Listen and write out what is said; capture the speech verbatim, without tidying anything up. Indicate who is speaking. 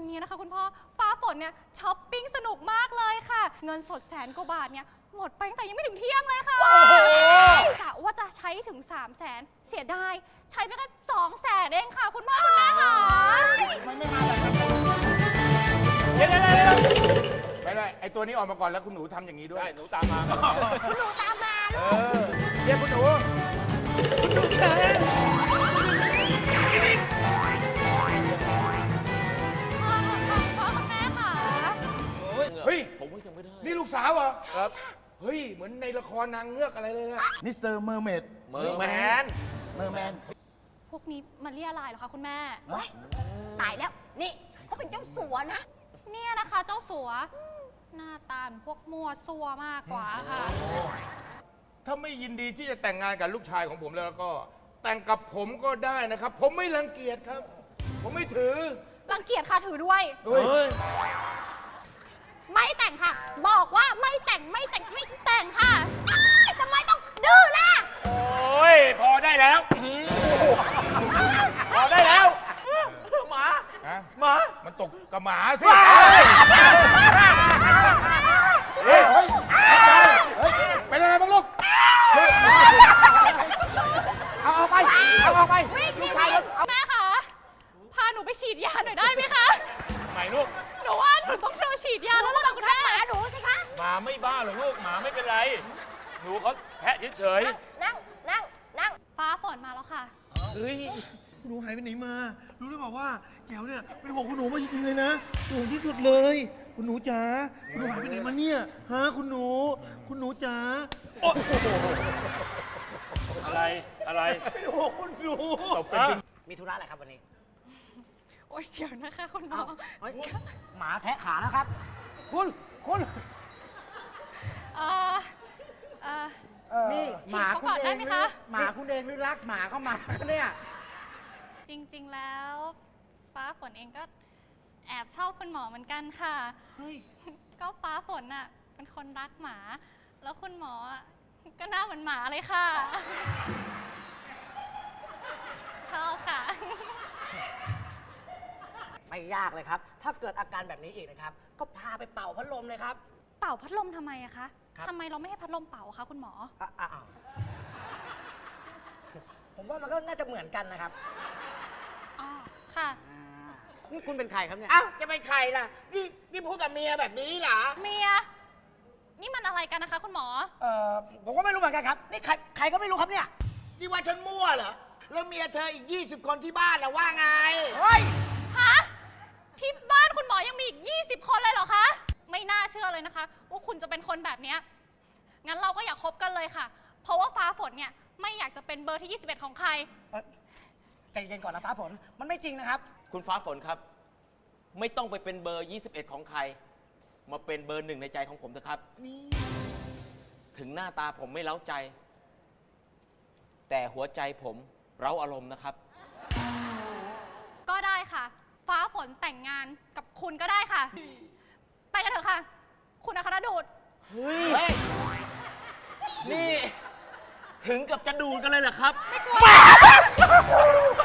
Speaker 1: นี้นะคะคุณพ่อฟ้าฝนเนี่ยช้อปปิ้งสนุกมากเลยค่ะเงินสดแสนกว่าบาทเนี่ยหมดไปตั้งแต่ยังไม่ถึงเที่ยงเลยค่ะกะว่าจะใช้ถึงสามแสนเสียดายใช้ไปแค่สองแสนเองค่ะคุณพ่อคุณแม่ค่ะ
Speaker 2: มันไม่มาแบบนั้น
Speaker 3: เดี๋ยวเดี๋ยวเดี๋ยว
Speaker 2: ไม่ได้ไอตัวนี้ออกมาก่อนแล้วคุณหนูทำอย่างนี้ด้วย
Speaker 3: ได้หนูตามมา
Speaker 4: หนูตามมา
Speaker 2: เออเรียกคุณหนู
Speaker 1: พ่อพ่อคุณแม่ค่ะ
Speaker 2: เฮ้ย
Speaker 3: ผมว่ายังไม่ได้
Speaker 2: นี่ลูกสาวเหรอ
Speaker 3: ครับ
Speaker 2: เฮ้ยเหมือนในละครนางเงือกอะไรเลยนะ
Speaker 5: มิสเตอร์เมอร์เมด
Speaker 3: เมอร์แมน
Speaker 5: เมอร์แมน
Speaker 1: พวกนี้มันเรียอะไรเหรอคะคุณแม่
Speaker 4: ตายแล้ว นี่เขาเป็นเจ้าสัวนะ
Speaker 1: เนี่ยนะคะเจ้าสัวหน้าตาเหมือนพวกมัวซัวมากกว่าค่ะ
Speaker 2: ถ้าไม่ยินดีที่จะแต่งงานกับลูกชายของผมแล้วก็ แต่งกับผมก็ได้นะครับ ผมไม่รังเกียจครับ ผมไม่ถือ
Speaker 1: รังเกียจค่ะถือด้วย
Speaker 2: เฮ้ย
Speaker 1: ไม่แต่งค่ะ บอกว่าไม่แต่งไม่แต่งไม่แต่งค่ะ
Speaker 4: ทำไมต้องดื้อล่ะ
Speaker 3: โอ้ย พอได้แล้วพอได้แล้วหมา
Speaker 2: ฮะ
Speaker 3: หมา
Speaker 2: มันตกกับหมาสิ
Speaker 5: เฮ้ย เฮ้ย
Speaker 2: เป็นอะไรบ้างลูก
Speaker 5: เอาออกไป เอาออกไปลูกชายเอา
Speaker 1: แม่คะพาหนูไปฉีดยาหน่อยได้ไหมคะ
Speaker 3: ใหม่ลูก
Speaker 1: หนูว่าหนูต้องโดนฉีดยาแล้วล่ะคุณแม่
Speaker 4: หมาหนูสิคะ
Speaker 3: หมาไม่บ้าหรอกลูก หมาไม่เป็นไร หนูเขาแพะเฉย
Speaker 4: นั่ง นั่ง นั่ง
Speaker 1: ฟ้าฝนมาแล้วค่ะ
Speaker 5: เฮ้ย คุณหนูหายไปไหนมา รู้หรือเปล่าว่าแก้วเนี่ยเป็นห่วงคุณหนูมาจริงๆเลยนะห่วงที่สุดเลย คุณหนูจ๋า คุณหนูหายไปไหนมาเนี่ย ฮะ คุณหนู คุณหนูจ๋า
Speaker 3: ๆอะไร อะไร
Speaker 5: เป็นห่วงคุณหนู
Speaker 2: ตกเป็น
Speaker 3: อ่ะ
Speaker 6: มีธุระอะไรครับวันนี้
Speaker 1: โอ๊ยเดี๋ยวนะคะคุณหมอ
Speaker 6: เฮ้ยหมาแทะขานะครับ คุณ คุณ
Speaker 1: เออเออ
Speaker 5: นี่
Speaker 1: ฉีดเขาก่อนได้ไหมคะ
Speaker 5: หมาคุณเองหรือรักหมาเข้ามาเนี่ย
Speaker 1: จริงๆแล้ว ฟ้าฝนเองก็แอบชอบคุณหมอเหมือนกันค่ะ
Speaker 5: เฮ้ย
Speaker 1: ก็ฟ้าฝนน่ะเป็นคนรักหมา แล้วคุณหมออ่ะก็หน้าเหมือนหมาเลยค่ะ ชอบค่ะ
Speaker 6: ไม่ยากเลยครับ ถ้าเกิดอาการแบบนี้อีกนะครับ ก็พาไปเป่าพัดลมเลยครับ
Speaker 1: เป่าพัดลมทำไมอะคะ
Speaker 6: ครับ
Speaker 1: ทำไมเราไม่ให้พัดลมเป่าอะคะคุณหมอ
Speaker 6: อ่ะอ่ะอ่ะผมว่ามันก็น่าจะเหมือนกันนะครับ
Speaker 1: อ๋อ ค่ะ
Speaker 6: อ่านี่คุณเป็นใครครับเนี่ย
Speaker 7: เอ้าจะเป็นใครล่ะ นี่นี่พูดกับเมียแบบนี้เหรอ
Speaker 1: เมีย นี่มันอะไรกันนะคะคุณหมอ
Speaker 6: เอ่อ ผมก็ไม่รู้เหมือนกันครับ นี่ใครใครก็ไม่รู้ครับเนี่ย
Speaker 7: นี่ว่าฉันมั่วเหรอ แล้วเมียเธออีก ยี่สิบ คนที่บ้านล่ะว่าไง
Speaker 6: เฮ้ย
Speaker 1: ฮะ ที่บ้านคุณหมอยังมีอีก ยี่สิบ คนเลยเหรอคะ ไม่น่าเชื่อเลยนะคะ ว่าคุณจะเป็นคนแบบเนี้ยงั้นเราก็อย่าคบกันเลยค่ะ เพราะว่าฟ้าฝนเนี่ยไม่อยากจะเป็นเบอร์ที่ ยี่สิบเอ็ด ของใคร
Speaker 6: เอ่อใจเย็นก่อนนะฟ้าฝน มันไม่จริงนะครับ
Speaker 8: คุณฟ้าฝนครับ ไม่ต้องไปเป็นเบอร์ ยี่สิบเอ็ด ของใคร มาเป็นเบอร์หนึ่งในใจของผมเถอะครับ ถึงหน้าตาผมไม่เล้าใจ แต่หัวใจผมเร้าอารมณ์นะครับ
Speaker 1: ก็ได้ค่ะ ฟ้าฝนแต่งงานกับคุณก็ได้ค่ะ ไปกันเถอะค่ะ คุณอัครดูด
Speaker 8: เฮ้ย นี่ ถึงกับจะดูดกันเลยเหรอครับ